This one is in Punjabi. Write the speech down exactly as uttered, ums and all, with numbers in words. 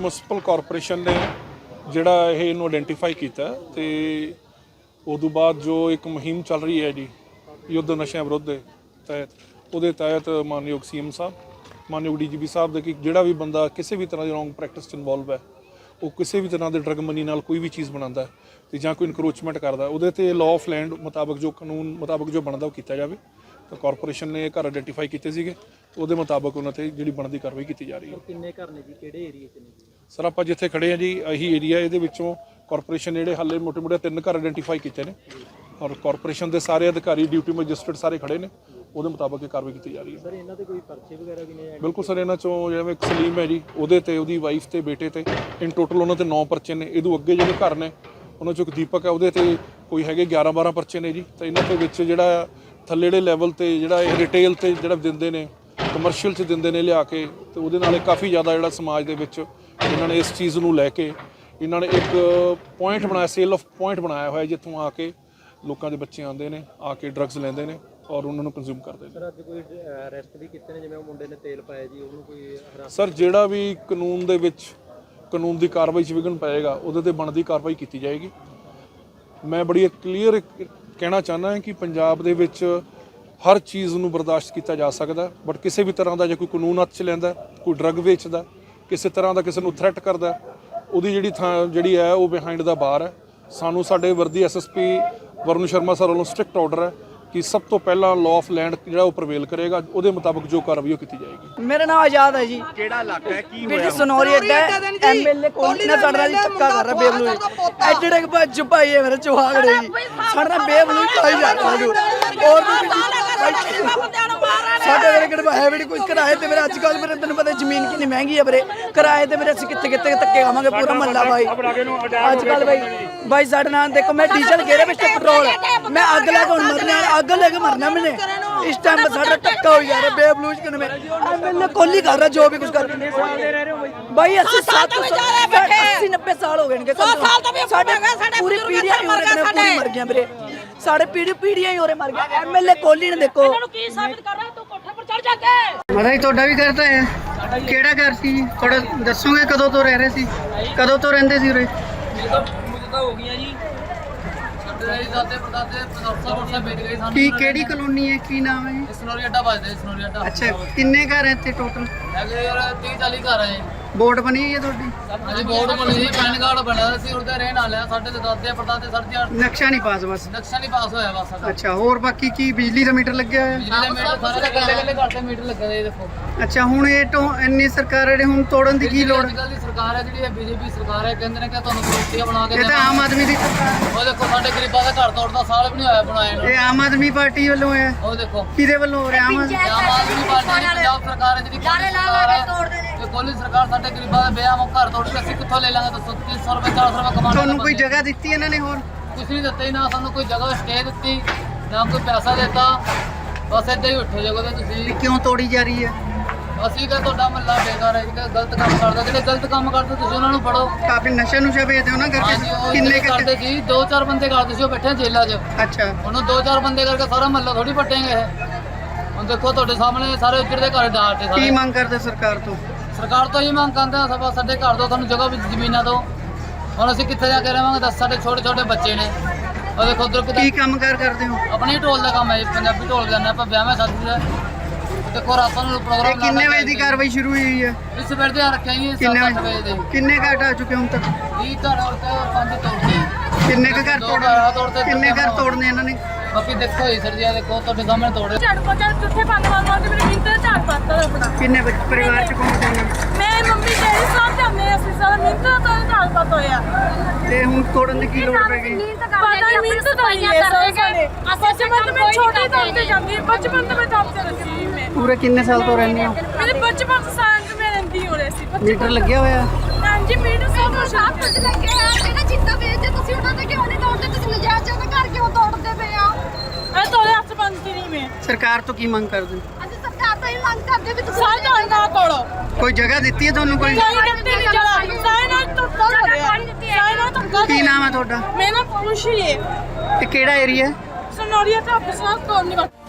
म्यूनसिपल कॉरपोरेशन ने जिहड़ा ये इनू आइडेंटिफाई किया तो उदों बाद जो एक मुहिम चल रही है जी युद्ध नशे विरुद्ध तहत उहदे तहत मानयोग सी एम साहब मानयोग डी जी पी साहब के जिहड़ा भी बंदा किसी भी तरह की रॉन्ग प्रैक्टिस इनवॉल्व है वो किसी भी तरह के ड्रग मनी नाल कोई भी चीज़ बनाता तो जां कोई इनक्रोचमेंट करता उहदे ते लॉ ऑफ लैंड मुताबक जो कानून मुताबक जो बनता वो किया जाए। तो कॉरपोरेशन ने घर आइडेंटिफाई किए थे ਉਹਦੇ ਮੁਤਾਬਕ ਉਹਨਾਂ ਤੇ ਜਿਹੜੀ ਬਣਦੀ ਕਾਰਵਾਈ ਕੀਤੀ ਜਾ ਰਹੀ ਹੈ। ਕਿੰਨੇ ਘਰ ਨੇ ਜੀ ਕਿਹੜੇ ਏਰੀਆ 'ਚ ਨੇ? ਸਰ ਆਪਾਂ ਜਿੱਥੇ ਖੜੇ ਹਾਂ ਜੀ ਇਹੀ ਏਰੀਆ ਇਹਦੇ ਵਿੱਚੋਂ ਕਾਰਪੋਰੇਸ਼ਨ ਜਿਹੜੇ ਹਾਲੇ ਮੋਟੇ ਮੋਟੇ ਤਿੰਨ ਘਰ ਆਇਡੈਂਟੀਫਾਈ ਕੀਤੇ ਨੇ ਔਰ ਕਾਰਪੋਰੇਸ਼ਨ ਦੇ ਸਾਰੇ ਅਧਿਕਾਰੀ ਡਿਊਟੀ ਮੈਜਿਸਟਰੇਟ ਸਾਰੇ ਖੜੇ ਨੇ ਉਹਦੇ ਮੁਤਾਬਕ ਇਹ ਕਾਰਵਾਈ ਕੀਤੀ ਜਾ ਰਹੀ ਹੈ। ਸਰ ਇਹਨਾਂ ਦੇ ਕੋਈ ਪਰਚੇ ਵਗੈਰਾ ਵੀ ਨੇ? ਬਿਲਕੁਲ ਸਰ ਇਹਨਾਂ ਚੋਂ ਜਿਵੇਂ ਇੱਕ ਸਲੀਮ ਹੈ ਜੀ ਉਹਦੇ ਤੇ ਉਹਦੀ ਵਾਈਫ ਤੇ ਬੇਟੇ ਤੇ ਇਨ ਟੋਟਲ ਉਹਨਾਂ ਤੇ ਨੌ ਪਰਚੇ ਨੇ। ਇਹਦੋਂ ਅੱਗੇ ਜਿਹੜੇ ਘਰ ਨੇ ਉਹਨਾਂ ਚੋਂ ਇੱਕ ਦੀਪਕ ਹੈ ਉਹਦੇ ਤੇ ਕੋਈ ਹੈਗੇ ਗਿਆਰਾਂ ਬਾਰਾਂ ਪਰਚੇ ਨੇ ਜੀ। ਤਾਂ ਇਹਨਾਂ ਦੇ ਵਿੱਚ ਜਿਹੜਾ ਥੱਲੇ ਜਿਹੜੇ ਲੈਵਲ ਤੇ ਜਿਹੜਾ ਇਹ ਰਿਟੇਲ ਤੇ ਜਿਹੜਾ ਦਿੰਦੇ ਨੇ ਕਮਰਸ਼ੀਅਲ 'ਚ ਦਿੰਦੇ ਨੇ ਲਿਆ ਕੇ ਤੇ ਉਹਦੇ ਨਾਲ ਕਾਫੀ ਜ਼ਿਆਦਾ ਜਿਹੜਾ ਸਮਾਜ ਦੇ ਵਿੱਚ ਇਹਨਾਂ ਨੇ ਇਸ ਚੀਜ਼ ਨੂੰ ਲੈ ਕੇ ਇਹਨਾਂ ਨੇ ਇੱਕ ਪੁਆਇੰਟ ਬਣਾਇਆ ਸੇਲ ਆਫ ਪੁਆਇੰਟ ਬਣਾਇਆ ਹੋਇਆ ਜਿੱਥੋਂ ਆ ਕੇ ਲੋਕਾਂ ਦੇ ਬੱਚੇ ਆਉਂਦੇ ਨੇ ਆ ਕੇ ਡਰੱਗਸ ਲੈਂਦੇ ਨੇ ਔਰ ਉਹਨਾਂ ਨੂੰ ਕੰਜ਼ਿਊਮ ਕਰਦੇ ਨੇ। ਸਰ ਅੱਜ ਕੋਈ ਅਰੈਸਟ ਵੀ ਕੀਤੇ ਨੇ ਜਿਵੇਂ ਉਹ ਮੁੰਡੇ ਨੇ ਤੇਲ ਪਾਇਆ ਜੀ ਉਹਨੂੰ ਕੋਈ? ਸਰ ਜਿਹੜਾ ਵੀ ਕਾਨੂੰਨ ਦੇ ਵਿੱਚ ਕਾਨੂੰਨ ਦੀ ਕਾਰਵਾਈ 'ਚ ਵਿਘਨ ਪਏਗਾ ਉਹਦੇ ਤੇ ਬਣਦੀ ਕਾਰਵਾਈ ਕੀਤੀ ਜਾਏਗੀ। ਮੈਂ ਬੜੀ ਕਲੀਅਰ ਕਹਿਣਾ ਚਾਹੁੰਦਾ ਹਾਂ ਕਿ ਪੰਜਾਬ ਦੇ ਵਿੱਚ हर चीज़ ਨੂੰ ਬਰਦਾਸ਼ਤ ਕੀਤਾ ਜਾ ਸਕਦਾ ਬਟ ਕਿਸੇ ਵੀ ਤਰ੍ਹਾਂ ਦਾ ਜੇ ਕੋਈ ਕਾਨੂੰਨ ਹੱਥ 'ਚ ਲੈਂਦਾ ਕੋਈ ਡਰੱਗ ਵੇਚਦਾ ਕਿਸੇ ਤਰ੍ਹਾਂ ਦਾ ਕਿਸੇ ਨੂੰ ਥ੍ਰੈਟ ਕਰਦਾ ਉਹਦੀ ਜਿਹੜੀ ਥਾਂ ਜਿਹੜੀ ਹੈ ਉਹ ਬਿਹਾਈਂਡ ਦਾ ਬਾਰ ਹੈ। ਸਾਨੂੰ ਸਾਡੇ ਵਰਦੀ S S P Varun Sharma sir ਵੱਲੋਂ ਸਟ੍ਰਿਕਟ ਆਰਡਰ ਹੈ कि सब तो पहला लॉ ऑफ लैंड जो प्रवेल करेगा ਉਹਦੇ ਮੁਤਾਬਕ जो कार्रवाई की जाएगी। मेरा नाम आजाद है जी। ਕਿਹੜਾ ਇਲਾਕਾ ਹੈ ਕੀ ਹੋਇਆ? ਸਨੌਰੀ ਅੱਡਾ ਐਮਐਲਏ ਕੋਲ ਨਾ ਸਾਡਾ ਜੀ ਧੱਕਾ ਕਰ ਰਿਹਾ ਬੇਬਲੂ ਐਡੇ ਡੇ ਭੱਜ ਭਾਈ ਹੈ ਮੇਰੇ ਚੋਹਾਗੜੇ ਜੀ ਸਾਡਾ ਬੇਬਲੂ ਖਾਈ ਜਾ ਰਿਹਾ ਜੀ ਔਰ ਸਾਡੇ ਮੇਰੇ ਕਿਹੜੇ ਹੈ ਵੀ ਕੋਈ ਕਿਰਾਏ ਤੇ ਮੇਰੇ ਅੱਜ ਕੱਲ ਮੇਰੇ ਤੈਨੂੰ ਪਤਾ ਜ਼ਮੀਨ ਕਿੰਨੀ ਮਹਿੰਗੀ ਹੈ ਵੀਰੇ ਕਿਰਾਏ ਤੇ ਮੇਰੇ ਅਸੀਂ ਕਿੱਥੇ ਕਿੱਥੇ ਧੱਕੇ ਖਾਵਾਂਗੇ ਪੂਰਾ ਮਹੱਲਾ ਭਾਈ ਅੱਜ ਕੱਲ ਭਾਈ ਭਾਈ ਸਾਡੇ ਨਾਲ ਦੇਖੋ ਮੈਂ ਡੀਜ਼ਲ ਗੇਰੇ ਵਿੱਚ ਪੈਟਰੋਲ ਮੈਂ ਅੱਗ ਲਾ ਕੇ ਹੁਣ ਮਰਨਾ ਅੱਗ ਲੈ ਕੇ मरना मैंने इस टाइम पर सारा टक्का हो जा रहा है बेबलूज करने में एमएलए कोहली कर रहा जो भी कुछ कर भाई अस्सी सात अस्सी नब्बे साल हो गए पूरी पीढ़ियां पूरी मर गया मेरे साढ़े पीढ़ी पीढ़ियां ही हो रहे मर गया। एमएलए कोहली ने देखो ਮਤਾ ਹੀ ਤੁਹਾਡਾ ਵੀ ਕਰਤਾ ਹੈ ਕਿਹੜਾ ਘਰ ਸੀ ਥੋੜਾ ਦੱਸੋਗੇ ਕਦੋਂ ਤੋਂ ਰਹਿ ਰਹੇ ਸੀ ਕਦੋਂ ਤੋਂ ਰਹਿੰਦੇ ਸੀ ਉਰੇ? ਹੋ ਗਈਆਂ ਜੀ ਦਾਦੇ ਪੜਦਾਦੇ ਪਰਸਾ ਪਰਸਾ ਵੇਚ ਗਏ ਸਾਨੂੰ। ਕੀ ਕਿਹੜੀ ਕਲੋਨੀ ਹੈ ਕੀ ਨਾਮ ਹੈ? ਸਨੋਰੀ ਅੱਡਾ ਵੱਜਦਾ ਸਨੋਰੀ ਅੱਡਾ। ਅੱਛਾ ਕਿੰਨੇ ਘਰ ਹੈ ਇੱਥੇ ਟੋਟਲ? ਹੈਗੇ ਯਾਰ ਤੀਹ ਚਾਲੀ ਘਰ ਹੈ। ਬੋਰਡ ਬਣੀ ਹੈ ਤੁਹਾਡੀ? ਹਾਂਜੀ ਬੋਰਡ ਬਣੀ ਸੀ ਪੈਨ ਕਾਰਡ ਬਣਿਆ ਸੀ ਉਹਦੇ ਰਹਿਣ ਵਾਲਿਆ ਸਾਡੇ ਤੇ ਦਾਦੇ ਪੜਦਾਦੇ ਸਰਜੀਆਂ ਨਕਸ਼ਾ ਨਹੀਂ ਪਾਸ ਬਸ? ਨਕਸ਼ਾ ਨਹੀਂ ਪਾਸ ਹੋਇਆ ਬਸ ਸਾਡਾ। ਅੱਛਾ ਹੋਰ ਬਾਕੀ ਕੀ ਬਿਜਲੀ ਦਾ ਮੀਟਰ ਲੱਗਿਆ ਹੋਇਆ? ਬਿਜਲੀ ਦੇ ਮੀਟਰ ਸਾਰੇ ਕੱਲੇ ਕੱਲੇ ਘਰ ਤੇ ਮੀਟਰ ਲੱਗੇ ਨੇ ਦੇਖੋ। ਅੱਛਾ ਹੁਣ ਇਹ ਤੋਂ ਇੰਨੀ ਸਰਕਾਰ ਜਿਹੜੇ ਹੁਣ ਤੋੜਨ ਦੀ ਕੀ ਲੋੜ? ਅੱਜ ਕੱਲ੍ਹ ਦੀ ਸਰਕਾਰ ਹੈ ਜਿਹੜੀ ਬੀਜੇਪੀ ਸਰਕਾਰ ਹੈ ਕਹਿੰਦੇ ਨੇ ਕਿ ਤੁਹਾਨੂੰ ਰੋਟੀਆਂ ਬਣਾ ਕੇ ਇਹ ਤਾਂ ਆਮ ਆਦਮੀ ਦੀ ਸਰਕਾਰ। ਉਹ ਦੇਖੋ ਸਾਡੇ ਗਰੀਬਾਂ ਦਾ ਘਰ ਤੋੜਦਾ ਸਾਲ ਵੀ ਨਹੀਂ ਹੋਇਆ ਬਣਾਏ ਨੂੰ। ਇਹ ਆਮ ਆਦਮੀ ਪਾਰਟੀ ਵੱਲੋਂ ਹੈ? ਉਹ ਦੇਖੋ ਕਿਹਦੇ ਵੱਲੋਂ ਹੋ ਰਿਹਾ? ਆਮ ਆਦਮੀ ਆਮ ਆਦਮੀ ਪਾਰਟੀ ਦੀ ਪੰਜਾਬ ਸਰਕਾਰ ਹੈ ਜਿਹੜੀ ਇਹ ਕੋਲੀ ਸਰਕਾਰ ਸਾਡੇ ਗਰੀਬਾਂ ਦਾ ਵਿਆਹ ਮੁੱਖ ਘਰ ਤੋੜ ਕੇ ਅਸੀਂ ਕਿੱਥੋਂ ਲੈ ਲਾਂਗੇ ਦੱਸੋ? ਤਿੰਨ ਸੌ ਰੁਪਏ ਚਾਰ ਸੌ ਰੁਪਏ ਕਮਾਉਣਾ। ਤੁਹਾਨੂੰ ਕੋਈ ਜਗ੍ਹਾ ਦਿੱਤੀ ਇਹਨਾਂ ਨੇ ਹੋਰ? ਕੁਛ ਨਹੀਂ ਦਿੱਤਾ ਹੀ ਨਾ ਸਾਨੂੰ ਕੋਈ ਜਗ੍ਹਾ ਸਟੇ ਦਿੱਤੀ ਨਾ ਕੋਈ ਪੈਸਾ ਦਿੱਤਾ ਬਸ ਏਦਾਂ ਹੀ ਉੱਠੇ ਜਗ੍ਹਾ ਤੇ ਤੁਸੀਂ। ਕਿਉਂ ਤੋੜੀ ਜਾ ਰਹੀ ਹੈ? ਅਸੀਂ ਕਿ ਤੁਹਾਡਾ ਮਹੱਲਾ ਬੇਕਾਰ ਹੈ ਜਿਹੜਾ ਗਲਤ ਕੰਮ ਕਰਦਾ ਜਿਹੜੇ ਗਲਤ ਕੰਮ ਕਰਦੇ ਤੁਸੀਂ ਉਹਨਾਂ ਨੂੰ ਫੜੋ। ਕਾਫੀ ਨਸ਼ਾ ਨੁਸ਼ਾ ਵੇਚਦੇ ਹੋ ਨਾ ਹਾਂਜੀ ਕਰਕੇ? ਉਹ ਕਿੰਨੇ ਜਿਹੜੇ ਕਰਦੇ ਸੀ ਦੋ ਚਾਰ ਬੰਦੇ ਕਰਦੇ ਸੀ ਉਹ ਬੈਠੇ ਜੇਲ੍ਹਾਂ 'ਚ। ਅੱਛਾ ਉਹਨੂੰ ਦੋ ਚਾਰ ਬੰਦੇ ਕਰਕੇ ਸਾਰਾ ਮਹੱਲਾ ਥੋੜੀ ਪੱਟੇਂਗੇ ਇਹ। ਹੁਣ ਦੇਖੋ ਤੁਹਾਡੇ ਸਾਹਮਣੇ ਸਾਰੇ ਉੱਜੜ ਦੇ ਘਰ ਡਾਟੇ ਸਾਰੇ। ਕੀ ਮੰਗ ਕਰਦੇ ਸਰਕਾਰ ਤੋਂ? ਸਰਕਾਰ ਤੋਂ ਹੀ ਮੰਗ ਕਰਦੇ ਆ ਸਭ ਸਾਡੇ ਘਰ ਤੋਂ ਤੁਹਾਨੂੰ ਜਗ੍ਹਾ ਵੀ ਜ਼ਮੀਨਾਂ ਤੋਂ। ਹੁਣ ਅਸੀਂ ਕਿੱਥੇ ਜਾ ਕੇ ਰਹਾਂਗੇ ਦੱਸ? ਸਾਡੇ ਛੋਟੇ ਛੋਟੇ ਬੱਚੇ ਨੇ ਉਹ ਦੇਖੋ ਉਧਰ ਕੀ ਕੰਮ ਕਾਰ ਕਰਦੇ ਹੋ? ਆਪਣੀ ਢੋਲ ਦਾ ਕੰਮ ਹੈ ਜੀ ਪੰਜਾਬੀ ਢੋਲ ਜਾਂਦੇ ਆਪਾਂ ਵਿਆਹਾਂ ਸ਼ਾਦੀ ਦਾ। ਦੇਖੋ ਰਾਤਾਂ ਨੂੰ ਪ੍ਰੋਗਰਾਮ ਕਿੰਨੇ ਵਜੇ ਦੀ ਕਾਰਵਾਈ ਸ਼ੁਰੂ ਹੋਈ ਹੈ? ਇਸ ਵੇਲੇ ਤੇ ਰੱਖਿਆ ਜੀ ਕਿੰਨੇ ਸੱਤ ਅੱਠ ਵਜੇ ਦੇ। ਕਿੰਨੇ ਘਰ ਆ ਚੁੱਕੇ ਹੁਣ ਤੱਕ? ਵੀਹ ਘਰ ਔਰ ਤੇ ਪੰਜ ਤੋੜਦੇ। ਕਿੰਨੇ ਕੁ ਘਰ ਤੋੜਨੇ? ਕਿੰਨੇ ਘਰ ਤੋੜਨੇ ਇਹਨਾਂ ਨੇ? ਬਾਕੀ ਦੇਖੋ ਜੀ ਸਰ ਜੀ ਆ ਦੇਖੋ ਤੁਹਾਡੇ ਸਾਹਮਣੇ ਤੋੜੇ। ਝੜ ਪਾ ਚੱਲ ਕਿੱਥੇ ਪੰਨ ਮਾਰ ਮਾਰ ਕੇ ਮੇਰੇ ਮਿੰਟ ਝੜ ਪਾਤਾ ਆਪਣਾ। ਕਿੰਨੇ ਬੱਚੇ ਪਰਿਵਾਰ ਚ ਕੌਣ ਕੌਣ ਹੈ? ਮੈਂ ਮੰਮੀ ਡੈਡੀ ਸਾਹਿਬ ਜਾਂਦੇ ਅਸੀਂ ਸਾਰਾ ਮਿੰਟ ਤੋਂ ਝੜ ਪਾਤਾ ਹੋਇਆ ਤੇ ਹੁਣ ਤੋੜਨ ਦੀ ਕੀ ਲੋੜ ਪੈ ਗਈ? ਪਤਾ ਹੀ ਮਿੰਟ ਤੋਂ ਹੀ ਹੈ ਸਾਰੇ। ਬਚਪਨ ਤੋਂ ਮੈਂ ਛੋਟੀ ਤੋਂ ਤੇ ਜਾਂਦੀ ਬਚਪਨ ਤੋਂ ਮੈਂ ਕੰਮ ਤੇ ਲੱਗੀ ਮੈਂ। ਪੂਰੇ ਕਿੰਨੇ ਸਾਲ ਤੋਂ ਰਹਿੰਦੇ ਹੋ? ਮੇਰੇ ਬਚਪਨ ਤੋਂ ਸਾਲ ਤੋਂ ਮੈਂ ਰਹਿੰਦੀ ਹੋ ਰਹੀ ਸੀ। ਮੀਟਰ ਲੱਗਿਆ ਹੋਇਆ? ਹਾਂਜੀ ਮੀਟਰ ਸਭ ਕੁਝ ਸਭ ਕੁਝ ਲੱਗਿਆ ਹੈ। ਜਿਹੜਾ ਜਿੱਦਾਂ ਵੇਚਦੇ ਤੁਸੀਂ ਉਹਨਾਂ ਦੇ ਕਿਉਂ ਨਹੀਂ ਤੋੜਦੇ? ਤੁਸੀਂ ਨਜਾਇਜ਼ ਜਗ੍ਹਾ ਘਰ ਕਿਉਂ ਤੋੜਦੇ ਪਏ ਆ? ਇਹ ਤੋੜੇ ਹੱਥ ਬੰਦ ਕੀ ਨਹੀਂ ਮੈਂ। ਸਰਕਾਰ ਤੋਂ ਕੀ ਮੰਗ ਕਰਦੇ? ਅਸੀਂ ਸਰਕਾਰ ਤੋਂ ਇਹ ਮੰਗ ਕਰਦੇ ਵੀ ਤੁਸੀਂ ਸਾਰੇ ਨਾਲ ਨਾ ਤੋੜੋ। ਕੋਈ ਜਗ੍ਹਾ ਦਿੱਤੀ ਹੈ ਤੁਹਾਨੂੰ ਕੋਈ? ਕੋਈ ਦਿੱਤੀ ਨਹੀਂ ਜਰਾ ਸਾਰੇ ਨਾਲ ਧੱਕਾ ਹੋ ਰਿਹਾ ਸਾਰੇ ਨਾਲ ਧੱਕਾ। ਕੀ ਨਾਮ ਹੈ ਤੁਹਾਡਾ? ਮੇਰਾ ਨਾਮ ਖੁਸ਼ੀ ਹੈ। ਤੇ ਕਿਹੜਾ ਏਰੀਆ? ਸਨੌਰੀਆ ਤਾਂ ਅਫਸਰ ਕੋਲ ਨਹੀਂ